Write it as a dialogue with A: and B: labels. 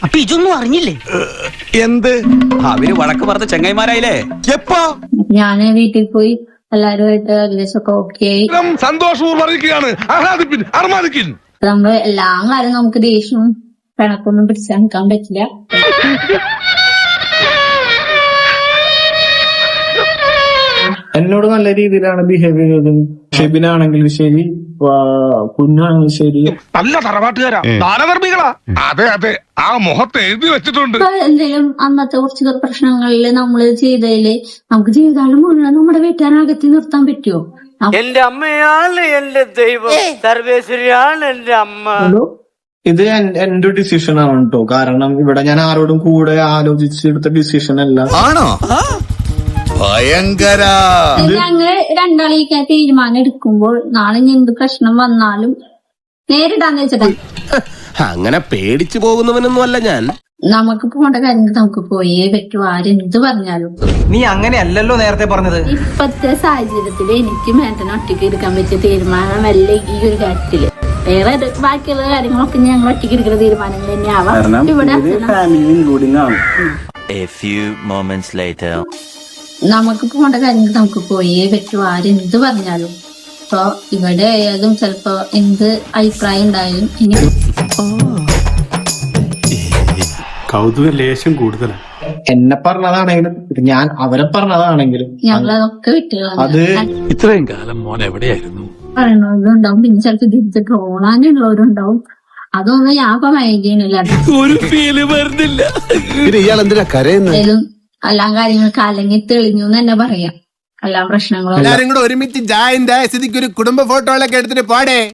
A: അപ്പൊ ഇതൊന്നും അറിഞ്ഞില്ലേ?
B: എന്ത്?
C: അവര് വഴക്ക് പറഞ്ഞ ചെങ്ങൈമാരായില്ലേ?
B: എപ്പോ?
D: ഞാന് വീട്ടിൽ പോയി എല്ലാരുമായിട്ട് ഏകദേശമൊക്കെ ഓക്കെ ആയി.
E: സന്തോഷവും അറിയിക്കുകയാണ്. ആഹ്ലാദിപ്പിൻ, അർമാദിക്കിൻ.
D: നമ്മള് എല്ലാ കാലം നമുക്ക് ദേഷ്യവും പിണക്കൊന്നും പിടിച്ചു നിൽക്കാൻ പറ്റില്ല.
F: എന്നോട് നല്ല രീതിയിലാണ് ബിഹേവ് ചെയ്തത്. ഷെബിനാണെങ്കിലും ശരി, കുഞ്ഞാണെങ്കിലും ശരി.
E: നല്ല തറവാട്ടുകാരാ, ദാനധർമ്മികളാ. അതെ അതെ, ആ മുഖത്ത് എഴുതി വെച്ചിട്ടുണ്ട്.
D: ഇപ്പൊ എന്തെങ്കിലും അന്നത്തെ കുറച്ച് പ്രശ്നങ്ങളില് നമ്മള് ചെയ്തതില് നമുക്ക് ജീവിതകാലം മുഴുവൻ നമ്മുടെ വീട്ടുകാരകത്തി നിർത്താൻ പറ്റുമോ?
A: എന്റെ അമ്മയാണ് എന്റെ ദൈവം, സർവേശ്വരിയാണ് എന്റെ അമ്മ.
F: ഇത് എന്റെ ഡിസിഷൻ ആണ് കേട്ടോ. കാരണം ഇവിടെ ഞാൻ ആരോടും കൂടെ ആലോചിച്ചെടുത്ത ഡിസിഷൻ അല്ല.
B: ആണോ? ഭയങ്കര.
D: ഞങ്ങള് രണ്ടാളിക്കാൻ തീരുമാനം എടുക്കുമ്പോൾ നാളെ എന്ത് പ്രശ്നം വന്നാലും നേരിടാന്ന് വെച്ചിട്ടാ.
B: അങ്ങനെ പേടിച്ചു പോകുന്നവനൊന്നും അല്ല ഞാൻ.
D: നമുക്ക് പോകേണ്ട കാര്യങ്ങൾ നമുക്ക് പോയേ പറ്റൂ, ആരെന്ത് പറഞ്ഞാലും.
C: നീ അങ്ങനെയല്ലല്ലോ നേരത്തെ പറഞ്ഞത്.
D: ഇപ്പത്തെ സാഹചര്യത്തില് എനിക്ക് മേട്ടനെ ഒറ്റയ്ക്ക് എടുക്കാൻ പറ്റിയ തീരുമാനമല്ല ഈ ഒരു കാര്യത്തില്. വേറെ ബാക്കിയുള്ള കാര്യങ്ങളൊക്കെ ഞങ്ങൾ ഒറ്റയ്ക്ക് എടുക്കുന്ന തീരുമാനങ്ങൾ തന്നെയാവാം. ഇവിടെ നമുക്ക് പോകേണ്ട കാര്യങ്ങൾ നമുക്ക് പോയേ പറ്റൂ, ആരെന്ത് പറഞ്ഞാലും. ഇപ്പൊ ഇവിടെ ആയാലും ചിലപ്പോ എന്ത് അഭിപ്രായം ഉണ്ടായാലും ഇനി
G: കൗതുക ലേശം കൂടുതലാണ്.
F: എന്നെ പറഞ്ഞതാണെങ്കിലും ഞാൻ അവരെ പറഞ്ഞതാണെങ്കിലും
D: ഞങ്ങളതൊക്കെ വിട്ടുകളാണ്.
F: അത്
G: ഇത്രയും കാലം മോൻ എവിടെയായിരുന്നു?
D: പറയണവരുണ്ടാവും, പിന്നെ ചിലപ്പോ തിരിച്ച് ട്രോളാനുള്ളവരുണ്ടാവും. അതൊന്നും ഞാൻ ഇപ്പൊ മൈൻഡ് ചെയ്യണില്ല.
B: ഒരു ഫീല് വരുന്നില്ല. ഇയാൾ എന്തിനാ കരയുന്നത്?
D: എല്ലാം കാര്യങ്ങൾക്ക് അല്ലെങ്കിൽ തെളിഞ്ഞു എന്ന് തന്നെ പറയാം. എല്ലാ പ്രശ്നങ്ങളും
B: ഒരുമിച്ച് ജായിന്റെ സ്ഥിതിക്ക് ഒരു കുടുംബ ഫോട്ടോകളൊക്കെ എടുത്തിട്ട് പാടേ.